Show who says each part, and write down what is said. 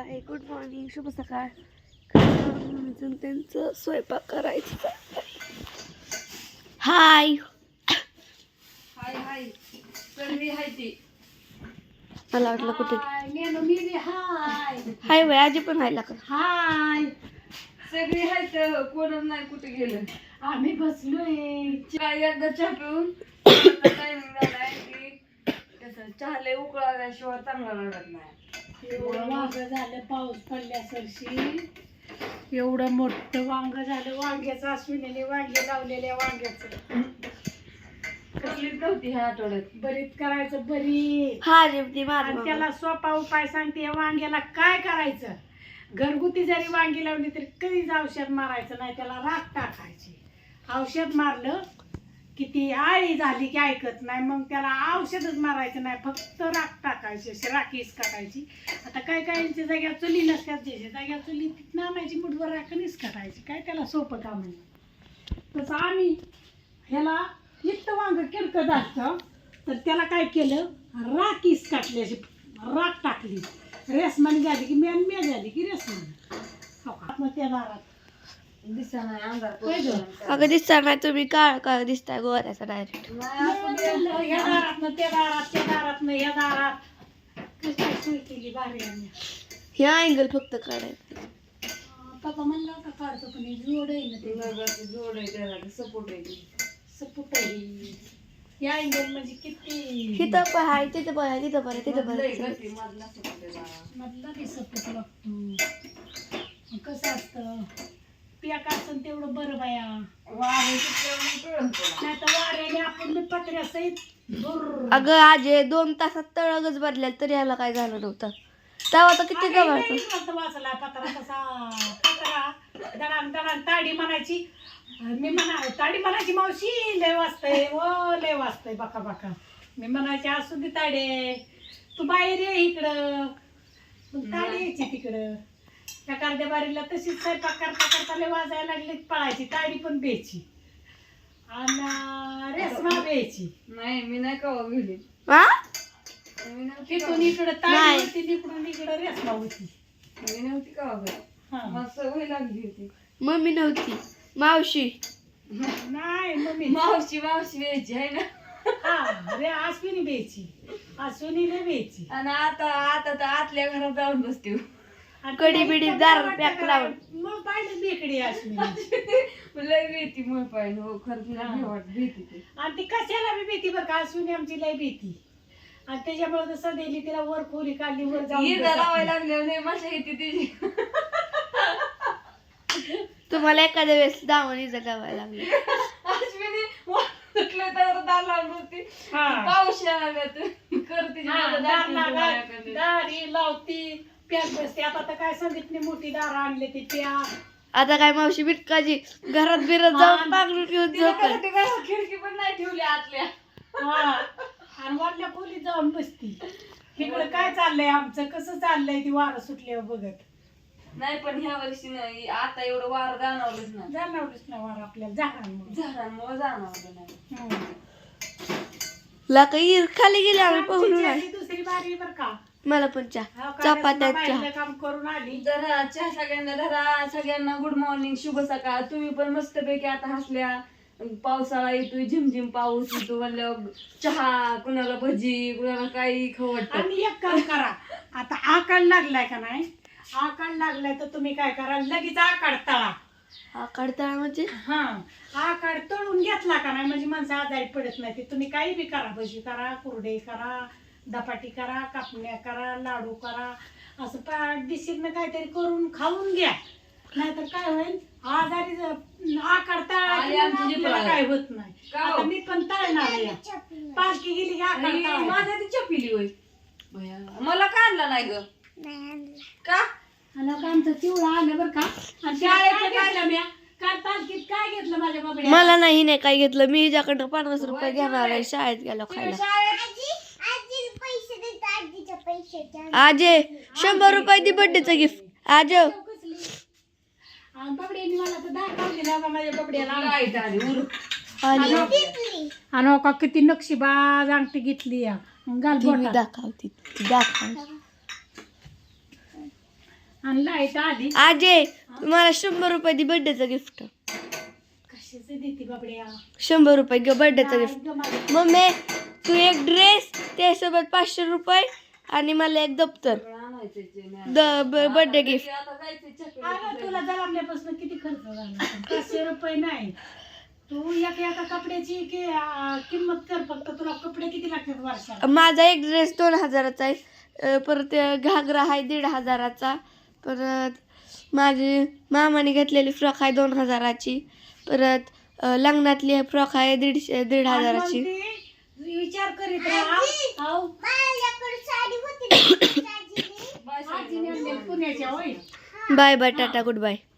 Speaker 1: Hi good morning शुभ सकाळ. अजून त्यांचं स्वयंपाक करायचं. हाय
Speaker 2: हाय हाय सगळी हाय ती.
Speaker 1: मला वाटलं कुठे
Speaker 2: हाय
Speaker 1: हाय वय आजी पण हाय लागत.
Speaker 2: हाय सगळी हाय तर कोणच नाही कुठे गेलं. आम्ही बसलोय एकदा चहा पिऊन टायमिंग झालाय की कसं चहा लय उकळाल्याशिवाय चांगला लागत नाही. एवढं वांग झालं पाऊस पडल्यासरशी, एवढं मोठं वांग झालं. वांग्याचं अश्विनीने वांगे लावलेल्या वांग्याचं कसलीच नव्हती ह्या आठवड्यात. बरीच करायचं बरी.
Speaker 1: हा जेवती माझ
Speaker 2: आणि त्याला सोपा उपाय सांगते. या वांग्याला काय करायचं, घरगुती जरी वांगी लावली तरी कधीच औषध मारायचं नाही, त्याला राख टाकायची. औषध मारलं की ती आळी झाली की ऐकत नाही, मग त्याला औषधच मारायचं नाही, फक्त राख टाकायची, अशी राखीच टाकायची. आता काय काहींच्या जाग्या चुली नसतात, ज्याच्या जाग्या चुली तिथं आणायची, मुठभर राखणीच टाकायची. काय त्याला सोपं काम आहे. तसं आम्ही ह्याला इतकं वांग किरकत असतं तर त्याला काय केलं, राखीच टाकली, अशी राख टाकली. रेसमानी झाली की मेन झाली की रेसमानी. मग त्या दारात दिसा नाही अंगात
Speaker 1: अगं दिसता नाही तुम्ही काळ काळ दिसताय गोऱ्याचा डायरेक्ट.
Speaker 2: या दारात त्या दारात त्या दारात न या दारात कशी सोय केली भारी. आम्ही
Speaker 1: हे अँगल फक्त काढायचं.
Speaker 2: पप्पा म्हणला होता काढतो, पण हे जोड आहे ना, ते जोड आहे, त्याला सपोर्ट आहे, सपोर्ट आहे. या अँगल म्हणजे किती
Speaker 1: तिथं पण आहे, तिथं पण आहे, तिथं पण आहे, तिथं पण आहे.
Speaker 2: मधला बी सपोर्ट लागतो. कसं असतं पियाक असतं तेवढं बरं बाया. नाही तर वाऱ्याने आपण मी पत्र्या सहित
Speaker 1: अगं आजे 2 तासात तळगच बदल्याल तरी याला काय झालं नव्हतं. तेव्हा तर किती गव्हाचं
Speaker 2: वाचला पत्रा. तसा पत्रा दडांग दडांग ताडी म्हणायची. मी ताडी म्हणायची, मावशी लय वाजतंय व लय वाजतंय बाका बाका. मी म्हणायची असू दे ताडे, तू बाहेर ये इकडं. ताडी यायची तिकडं. त्या कार्द्या बारीला तशीच स्वयंपाक करता करता लय वाजायला लागले, पळायची. ताडी पण बेची आणि रेसमा बेची. नाही मी नाही कवा गेली. तिथून इकडं ताडी होती, तिकडून इकडं रेसमा होती. मी नव्हती कवा मला सवय लागली होती.
Speaker 1: मम्मी नव्हती, मावशी.
Speaker 2: नाही मम्मी मावशी यायची आहे ना. हा रे अश्विनी बेची, अश्विनीने बेची. आणि आता तर आतल्या घरात जाऊन बसते,
Speaker 1: कडी बिडी दार पॅक लावून.
Speaker 2: मग पाहिजे बेकडी अश्विनी लय भीती. मग पाहिजे हो खरं भीती. आणि ती कशाला बी भीती बरं का. अश्विनी आमची लय भीती. आणि त्याच्यामुळे तर सदैली तिला वर खोली काढली, वर जाऊन लावायला लागले मजा येते तिची.
Speaker 1: तुम्हाला एखाद्या वेळेस दावणीचं गावायला लागलं.
Speaker 2: अश्विनी सुटलं तर दार लावून होती. पाऊस करते दारी लावती, प्याक बसते. आता तर काय सांगितली, मोठी दार आणले ती प्या.
Speaker 1: आता काय मावशी बिटकाजी घरात बिरत जाऊन पांघरून घेऊन
Speaker 2: खिडकी पण नाही ठेवली आतल्या. आणि वरल्या खोलीत जाऊन बसती. इकडं काय चाललंय आमचं, कसं चाललंय ती वारं सुटल्यावर बघत. नाही पण ह्या वर्षी नाही, आता एवढं वार जाणवलंच ना वार आपल्याला. झाडांमुळे जाणवलं नाही.
Speaker 1: लाका खाली गेले आम्ही पाहून.
Speaker 2: दुसरी बारी बर का.
Speaker 1: मला पण चपात्या
Speaker 2: काम करून आली. जरा चहा सगळ्यांना धरा. सगळ्यांना गुड मॉर्निंग, शुभ सकाळ. तुम्ही पण मस्तपैकी आता हसल्या. पावसाळा येतोय, झिमझिम पाऊस येतो म्हणल्यावर चहा, कुणाला भजी, कुणाला काही खवट. आणि एक काम करा, आता आकाड लागलाय का नाही, आकाड लागलाय तर तुम्ही काय करा, लगेच आकाड तळा.
Speaker 1: आकाड तळा म्हणजे
Speaker 2: आकाड तळून घेतला का नाही म्हणजे माणसं आजारी पडत नाही. ते तुम्ही काही बी करा, भजी करा, कुरडे करा, धपाटी करा, कापण्या करा, लाडू करा, असं पाठदिशीनं काहीतरी करून खाऊन घ्या. नाहीतर काय होईल, आजारी आकाड तळा काय होत नाही. आता मी पण तळणार आहे. पालखी गेली की आकाड माझ्या ती चपिली होय. मला का आणला नाही ग का. आमचं चिवळा आलं बरं का. आणि शाळेत काय मी काल पालखीत काय घेतलं माझ्या बाबड्या.
Speaker 1: मला नाही काय घेतलं. मी हिच्याकडं 50 रुपये घेणार आहे शाळेत गेलो खायला. आजे 100 रुपये दी बर्थडेचं गिफ्ट. आज
Speaker 2: बबड्याने मला तर दाखवली ना माझ्या बबड्याला. आणि का किती नक्षीबाज अंगठी घेतली.
Speaker 1: दाखवती दाखव
Speaker 2: आणि लाईट आली.
Speaker 1: आजे तुम्हाला 100 रुपये दे बर्थडेचं गिफ्ट.
Speaker 2: कशाचं देते बाबड्या?
Speaker 1: 100 रुपये बर्थडेचं गिफ्ट.
Speaker 2: नाही ग माझं.
Speaker 1: मम्मी तू एक ड्रेस त्यासोबत 500 रुपये आणि मला एक दप्तर बर्थडे गिफ्ट.
Speaker 2: अगं तुला जन्मल्यापासून किती खर्च झाला? 500 रुपये नाही. तू एका कपड्याची किंमत कर. फक्त तुला कपडे किती लागतात वर्षाला?
Speaker 1: माझा एक ड्रेस 2000चा आहे. परत घागरा आहे 1500चा. परत माझी मामाने घेतलेली फ्रॉक आहे 2000ची. परत लग्नातली फ्रॉक आहे 1,500ची.
Speaker 2: विचार करीत राहा. पुण्याच्या होय.
Speaker 1: Bye bye tata good bye.